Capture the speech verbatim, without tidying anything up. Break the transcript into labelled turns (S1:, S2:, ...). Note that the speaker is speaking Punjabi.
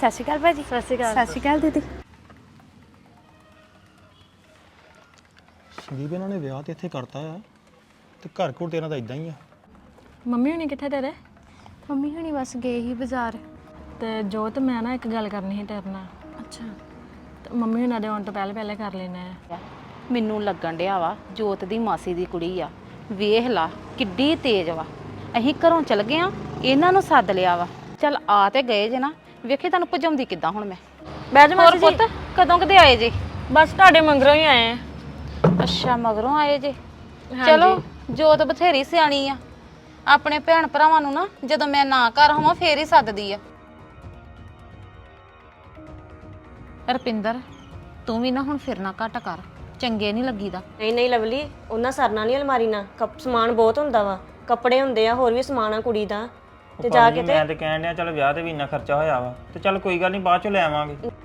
S1: ਸਤਿ ਸ਼੍ਰੀ ਅਕਾਲ ਭਾਜੀ।
S2: ਸਤਿ ਸ਼੍ਰੀ ਅਕਾਲ।
S1: ਸਤਿ ਸ਼੍ਰੀ ਅਕਾਲ ਦੀਦੀ।
S3: ਸੰਦੀਪ ਇਹਨਾਂ ਨੇ ਵਿਆਹ ਤੇ ਇੱਥੇ ਕਰਤਾ ਆ ਤੇ ਘਰ ਘਰ ਤੇਰਾ ਤਾਂ ਇਦਾਂ ਹੀ ਆ।
S2: ਮੰਮੀ ਹੁਣੀ ਕਿੱਥੇ ਤੇਰੇ?
S1: ਮੰਮੀ ਹੁਣੀ ਬਸ ਗਏ ਹੀ ਬਾਜ਼ਾਰ।
S2: ਤੇ ਜੋਤ ਮੈਂ ਨਾ ਇੱਕ ਗੱਲ ਕਰਨੀ ਸੀ ਤੇਰੇ ਨਾਲ।
S1: ਅੱਛਾ।
S2: ਤੇ ਮੰਮੀ ਹੁਣਾਂ ਦੇ ਆਉਣ ਤੋਂ ਪਹਿਲੇ ਪਹਿਲੇ ਕਰ ਲੈਣਾ ਆ।
S4: ਮੈਨੂੰ ਲੱਗਣ ਡਿਆ ਵਾ ਜੋਤ ਦੀ ਮਾਸੀ ਦੀ ਕੁੜੀ ਆ। ਵੇਖ ਲਾ ਕਿੱਡੀ ਤੇਜ਼ ਵਾ। ਅਸੀਂ ਘਰੋਂ ਚਲ ਗਏ ਆ, ਇਹਨਾਂ ਨੂੰ ਸੱਦ ਲਿਆ ਵਾ। ਚੱਲ ਆ ਤੇ ਗਏ ਜੇ ਨਾ, ਵੇਖੇ ਤੁਹਾਨੂੰ ਭਜਾਉਂਦੀ ਕਿੱਦਾਂ ਹੁਣ ਮੈਂ।
S2: ਬਹਿ ਜਾ
S4: ਹੋਰ
S2: ਮਾਸੀ ਜੀ।
S4: ਪੁੱਤ ਕਦੋਂ ਕਦੇ ਆਏ ਜੇ?
S2: ਬਸ ਤੁਹਾਡੇ ਮੰਗਰੋਂ ਹੀ ਆਏ ਆ।
S4: ਅੱਛਾ ਮਗਰੋਂ ਆਏ ਜੇ। ਚਲੋ ਜੋਤ ਬਥੇਰੀ ਸਿਆਣੀ ਆ, ਆਪਣੇ ਭੈਣ ਭਰਾਵਾਂ ਨੂੰ ਨਾ ਜਦੋਂ ਮੈਂ ਨਾ ਘਰ ਹੋਵਾਂ ਫੇਰ ਹੀ ਸੱਦਦੀ ਆ। ਰਪਿੰਦਰ ਤੂੰ ਵੀ ਨਾ ਹੁਣ ਫਿਰਨਾ ਘੱਟ ਕਰ, ਚੰਗੇ ਨਹੀਂ ਲੱਗੀਦਾ।
S5: ਨਹੀਂ ਨਹੀਂ ਲਵਲੀ, ਉਹਨਾਂ ਸਰਨਾ ਨਹੀਂ ਅਲਮਾਰੀ ਨਾਲ। ਕੱਪ ਸਮਾਨ ਬਹੁਤ ਹੁੰਦਾ ਵਾ, ਕੱਪੜੇ ਹੁੰਦੇ ਆ, ਹੋਰ ਵੀ ਸਮਾਨ ਆ ਕੁੜੀ ਦਾ। ਤੇ ਜਾ ਕੇ ਤੇ
S6: ਮੈਂ ਤੇ ਕਹਿਣ ਡਿਆ ਚੱਲ ਵਿਆਹ ਤੇ ਵੀ ਇੰਨਾ ਖਰਚਾ ਹੋਇਆ ਵਾ ਤੇ ਚੱਲ ਕੋਈ ਗੱਲ ਨਹੀਂ ਬਾਅਦ ਚ ਲੈ ਆਵਾਂਗੇ।